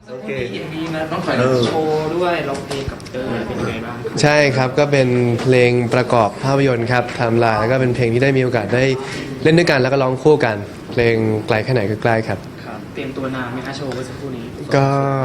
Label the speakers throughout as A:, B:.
A: โอเค
B: มี MV มาต้องถ่ายโชว์ด้วยร้องเพลงกับเตอร์เป็นยังไงบ้าง
C: ใช่ครับก็เป็นเพลงประกอบภาพยนตร์ครับไทม์ไลน์แล้วก็เป็นเพลงที่ได้มีโอกาสได้เล่นด้วยกันแล้วก็ร้องคู่กัน เพลงไกลแค่ไหนก็ใกล้ครับ
B: ครับเตรียมตัวนานไหมคะโชว์เมื่อสักครู่นี้
C: ก็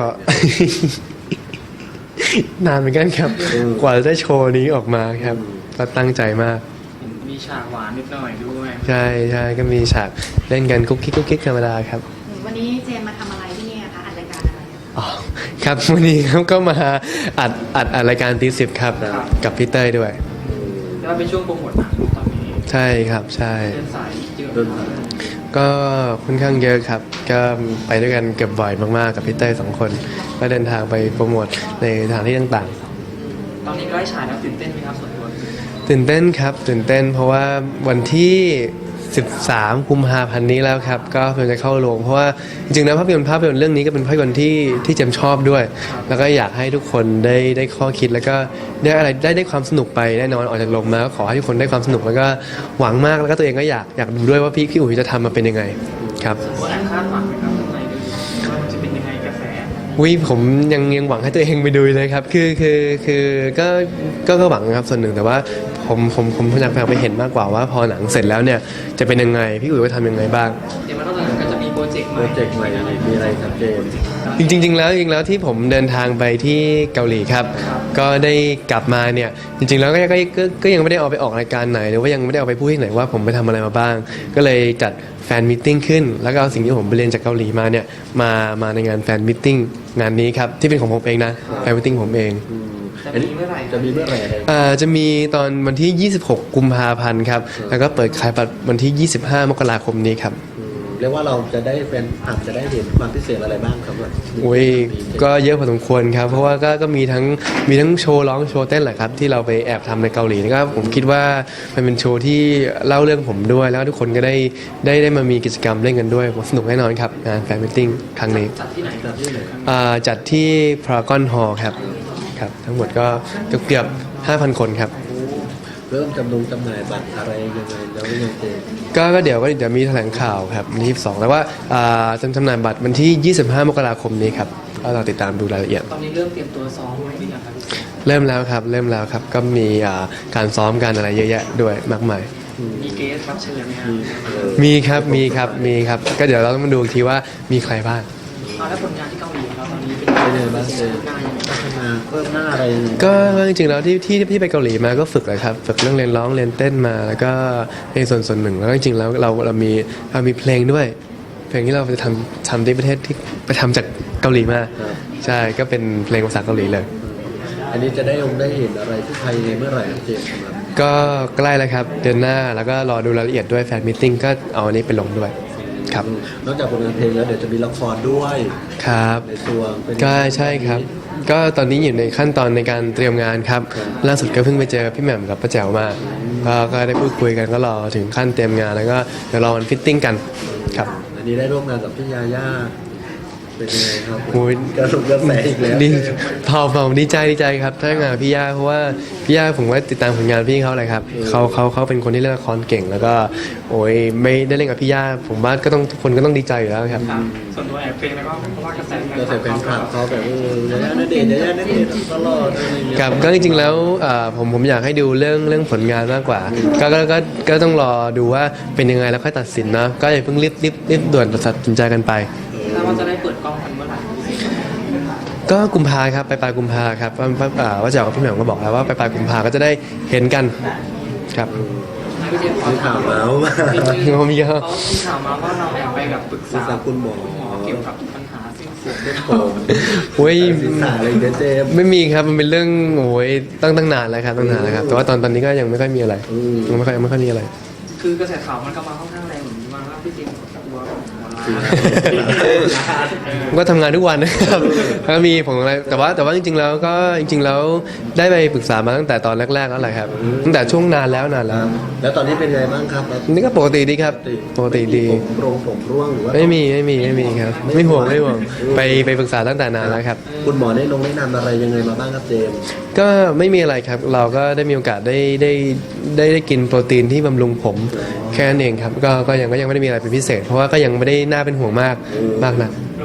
C: นานเหมือนกันครับ กว่าจะได้โชว์นี้ออกมาครับก็ตั้งใจมาก
B: มีฉากหวานนิดหน่อยด้วย
C: ใช่ใช่ก็มีฉากเล่นกันกุ๊กกิ๊กธรรมดาครับ
D: วันนี้เจมมาทำอะไรที่นี่คะอัดรายการอะไร
C: อ๋อครับวันนี้ครับก็มาอัดรายการตีสิบครับกับพี่เต้ยด้วย
B: แล้วเป็นช่วงโปรโมทหนังตอนนี้
C: ใช่ครับใช่
B: เดินสายเยอะ
A: เดิน
B: มาก
C: ก็ค่อนข้างเยอะครับ ก็ไปด้วยกันเกือบบ่อยมากๆกับพี่เต้ย2 คน ก็เดินทางไปโปรโมทในสถานที่ต่างๆ
B: ตอนนี้ใกล้ฉายแล้วตื่นเต้นไหมครับส่วนตัว
C: ตื่นเต้นครับตื่นเต้นเพราะว่าวันที่13 กุมภาพันธ์นี้แล้วครับก็เพิ่งจะเข้าโรงเพราะว่าจริงๆแล้วภาพยนตร์เรื่องนี้ก็เป็นภาพยนตร์ที่เจมชอบด้วย แล้วก็อยากให้ทุกคนได้ข้อคิดแล้วก็ได้ความสนุกไปแน่นอนออกจากโรงมาก็ขอให้ทุกคนได้ความสนุกแล้วก็หวังมากแล้วก็ตัวเองก็อยากดูด้วยว่าพี่อุ๋ยจะทำมาเป็นยังไงครับ
B: แอบคาดหวังไหมครับข้างในด้วยว่าจะเป็นยังไงกระแส
C: ผมยังหวังให้ตัวเองไปดูเลยครับคือก็หวังครับส่วนหนึ่งแต่ว่าผมอยากไปเห็นมากกว่าว่าพอหนังเสร็จแล้วเนี่ยจะเป็นยังไงพี่อุ๋ยว่าทำยังไงบ้าง
B: เดี๋ยวมันต้องหลังก็จะมีโปรเจกต์ให
A: โป
B: ม่
A: รเจกต์ใหม่อะไรมีอะไรครับเจมส์
C: จริงๆแล้วที่ผมเดินทางไปที่เกาหลีครับก็ได้กลับมาเนี่ยจริงๆแล้วก็ยังไม่ได้เอาไปออกรายการไหนหรือว่ายังไม่ได้เอาไปพูดที่ไหนว่าผมไปทำอะไรมาบ้าง ก็เลยจัดแฟนมิทติ้งขึ้นแล้วก็เอาสิ่งที่ผมไปเรียนจากเกาหลีมาเนี่ยมาในงานแฟนมิทติ้งงานนี้ครับที่เป็นของผมเองนะแฟนมิทติ้งผมเอง
B: จะมีเมื่อไหร่
A: จะมีเมื่อไหร่อะไร
C: จะมีตอนวันที่ 26 กุมภาพันธ์ครับแล้วก็เปิดขายบัตรวันที่ 25 มกราคมนี้ครับ
A: เรียกว่าเราจะได้เป็นอาจจะได้เห็นความพิเศษอะไรบ้างครับว่า
C: อุ้ยก็เยอะพอสมควรครับเพราะว่าก็มีทั้งโชว์ร้องโชว์เต้นแหละครับที่เราไปแอบทำในเกาหลีแล้วก็ผมคิดว่ามันเป็นโชว์ที่เล่าเรื่องผมด้วยแล้วทุกคนก็ได้มามีกิจกรรมเล่นกันด้วยผมสนุกแน่นอนครับงานแฟนมิทติ้งครั้งนี้
B: จัดที่ไหน
A: จัดที่ไหนครับ
C: จัดที่พารากอนฮอลล์ครับทั้งหมดก็เกือบ 5,000 คนครับ
A: เริ่มจำหน่ายบัตรอะไรยังไงแล้วยังเจมส์
C: ก็เดี๋ยวมีแถลงข่าวครับวันที่22แล้วว่าจำหน่ายบัตรวันที่ 25 มกราคมนี้ครับก็เราติดตามดูรายละเอียด
B: ตอนนี้เริ่มเตรียมตัวซ้อมไว้หรือยังครับ
C: เริ่มแล้วครับก็มีการซ้อมกันอะไรเยอะแยะด้วยมากมาย
B: มีเกสรับเชิญไหมครับ
C: มีครับก็เดี๋ยวเราต้องมาดูอีกทีว่ามีใครบ้าง
B: เอาแล้วผลงานที่เกาหลีของเราตอนนี้เป็น
A: เป็นยังไงบ้างเจมส์
B: งานยังไง
A: พัฒนาเพิ่มหน้าอะไรยังไง
C: ก็จริงๆแล้วที่ไปเกาหลีมาก็ฝึกเลยครับฝึกเรื่องเรียนร้องเรียนเต้นมาแล้วก็ในส่วนหนึ่งแล้วก็จริงๆแล้วเรามีเพลงด้วยเพลงที่เราจะทำที่ประเทศที่ไปทำจากเกาหลีมา
A: ครับ
C: ใช่ก็เป็นเพลงภาษาเกาหลีเลย
A: อันนี้จะได้เห็นอะไรที่ไทยในเมื่อไหร่ครับเจมส์ครับ
C: ก็ใกล้แล้วครับเดือนหน้าแล้วก็รอดูรายละเอียดด้วยแฟนมิทติ้งก็เอาอันนี้ไปลงด้วยครับ
A: นอกจากผลงานเพลงแล้วเดี๋ยวจะมีละครด้วย
C: ครับ
A: ในตัวเป็น
C: ก็ใช่ครับ ก็ตอนนี้อยู่ในขั้นตอนในการเตรียมงานครับล่าสุดก็เพิ่งไปเจอพี่แหม่มกับป้าแจ๋วมาก็ได้พูดคุยกันก็รอถึงขั้นเตรียมงานแล้วก็เดี๋ยวรอวันฟิตติ้งกันครับ
A: อันนี้ได้ร่วมงานกับพี่ยาย่าเป็นยังไงครับ
C: โอ้ย
A: กระสุนกระแสอีกแล้ว
C: ดีเผาดีใจครับถ้างานพี่ย่าเพราะว่าพี่ย่าผมว่าติดตามผลงานพี่เขาเลยครับเขาเป็นคนที่เล่นละครเก่ง แล้วก็โอ้ยไม่ได้เล่นกับพี่ย่าผมว่าก็ต้องทุกคนก็ต้องดีใจอยู่แล้วครับ
B: ส่วนตัวแอบเพลงแล้วก็เพราะว่ากระแส
A: ก็แต่แฟนคลับเขาแบบยาย่าณเดชน์ยาย่าณเดชน์ตลอดอะไรอย่างเงี้ย
C: ครับก็จริงๆแล้วผมอยากให้ดูเรื่องผลงานมากกว่าก็ต้องรอดูว่าเป็นยังไงแล้วค่อยตัดสินนะก็อย่าเพิ่งรีบด่วนตัดสินใจกันไป
B: ถ้าว่าจะได้เปิดกล้องกันเมื่อไหร่
C: ก็กุมภาครับปลายกุมภาครับว่าจะกับพี่แหม่มก็บอกแล้วว่าปลายกุมภาก็จะได้เห็นกันครับ
B: พี่เจมส์ขอ
A: มี
B: ถา
A: ข่าม วเมาส์มา
C: ผมมีครับ
B: เขามีข่าวมาว่าเราแอบไปแบบปรึก
A: ศึก
B: ษา
A: ษาคุณหมอ
B: เกี่ยวกับปัญหาสิ้นสุด
A: เรื่องโกง
C: โอ้ย
A: ศึกษาอะไรเงี้ยเจมส์
C: ไม่มีครับมันเป็นเรื่องโอ้ยตั้งนานแล้วครับแต่ว่าตอนนี้ก็ยังไม่ค่อยมีอะไรยังไม่ค่อยมีอะไร
B: คือกระแสข่าวมันก็มาค่อนข้างแรงเหมือนมาว่าพี่เจมส์กลัวของหมอลา
C: ก็ทำงานทุกวันนะครับก็มีผมอะไรแต่ว่าจริงๆแล้วได้ไปปรึกษามาตั้งแต่ตอนแรกๆแล้วแหละครับตั้งแต่ช่วงนานแล้ว
A: แล้วตอนนี้เป็นไงบ้างครับ
C: นี่ก็ปกติดีครับปกติดี
A: ผมร่วงหรือว่า
C: ไม่มีครับไม่ห่วงไปปรึกษาตั้งแต่นานแล้วครับ
A: คุณหมอได้แนะนำอะไรยังไงมาบ้างครับเจมส์
C: ก็ไม่มีอะไรครับเราก็ได้มีโอกาสได้กินโปรตีนที่บำรุงผมแค่นั้นเองครับก็ยังไม่ได้มีอะไรเป็นพิเศษ เพราะว่าก็ยังไม่ได้น่าเป็นห่วงมากนัก
B: โล่งใจนะ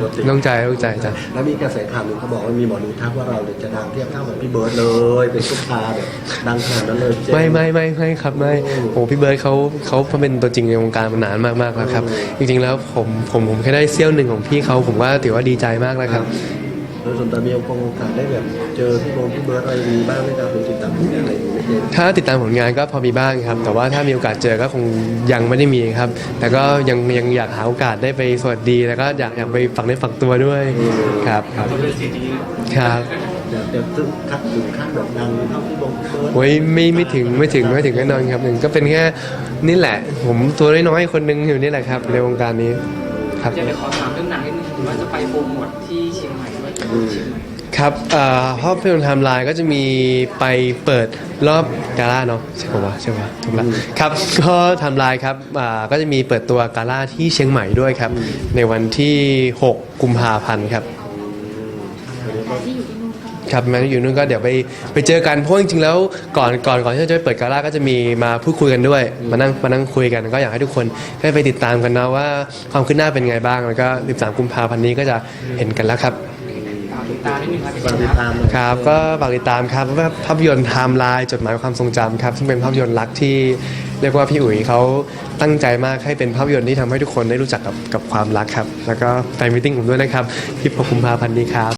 A: ตัวติด
C: ต้องใจจ้ะ
A: แล้วมีกระแสข่าวหนึ่งเขาบอกว่ามีหมอดูทักว่าเราเนี่ยจะดังเทียบเท่ากับพี่เบิร์ดเลยเป็นซุปตาร์แบบดังขนาดนั้นเลยเจน
C: ไม่ครับไม่โอ้พี่เบิร์ดเขาเป็นตัวจริงในวงการมานานมากๆแล้วครับจริงๆแล้วผมแค่ได้เสี้ยวหนึ่งของพี่เขาผมว่าถือว่าดีใจมากแล้วครับ
A: โดยส่วนตัวมีโอกาสได้แบบเจอพี่เบิร์ดอะไรมีบ้างไหมครับหรือติดตามผลงานอะไรอย่างเงี้ย
C: ถ้าติดตามผลงานก็พอมีบ้างครับ แต่ว่าถ้ามีโอกาสเจอก็คงยังไม่ได้มีครับ แต่ก็ยังอยากหาโอกาสได้ไปสวัสดีแล้วก็อยากไปฝักเนื้อฝักตัวด้วยครับ
B: ก็เป็นสิ่งที่
C: ครับ
A: เดี๋ยวถึงขั้นแบบดังเท่าพี่เบิร์ด
C: โอ้ยไม่ถึงแน่นอนครับหนึ่งก็เป็นแค่นี่แหละ ผมตัวน้อยๆคนหนึงอยู่นี่แหละครับในวงการนี้ครับ
B: จะไปขอถามเรื่องหนังนิดนึงว่าจะไปโปรโมทที่เชียงใหม่ด้วยเชียงใหม่
C: ครับภาพยนตร์ไทม์ไลน์ก็จะมีไปเปิดรอบกาล่าเนาะใช่ป่ะถูกแล้วครับก็ไทม์ไลน์ครับก็จะมีเปิดตัวกาล่าที่เชียงใหม่ด้วยครับในวันที่ 6 กุมภาพันธ์ครับ
D: แต่ที่อยู่ที่นู่นก็
C: ครับแม้อยู่นู่นก็เดี๋ยวไปเจอกันเพราะจริงๆแล้วก่อนที่จะไปเปิดกาล่าก็จะมีมาพูดคุยกันด้วยมานั่งคุยกันก็อยากให้ทุกคนได้ไปติดตามกันนะว่าความคืบหน้าเป็นไงบ้างแล้วก็13 กุมภาพันธ์นี้ก็จะเห็นกันแล้วครับ
B: ติดตามนิดนึงครับ
A: ฝากติดตามเลย
C: ครับก็ฝากติดตามครับว่าภาพยนตร์ไทม์ไลน์จดหมายความทรงจำครับซึ่งเป็นภาพยนตร์รักที่เรียกว่าพี่อุ๋ยเขาตั้งใจมากให้เป็นภาพยนตร์ที่ทำให้ทุกคนได้รู้จักกับความรักครับแล้วก็แฟนมิทติ้งผมด้วยนะครับที่6 กุมภาพันธ์นี้ครับ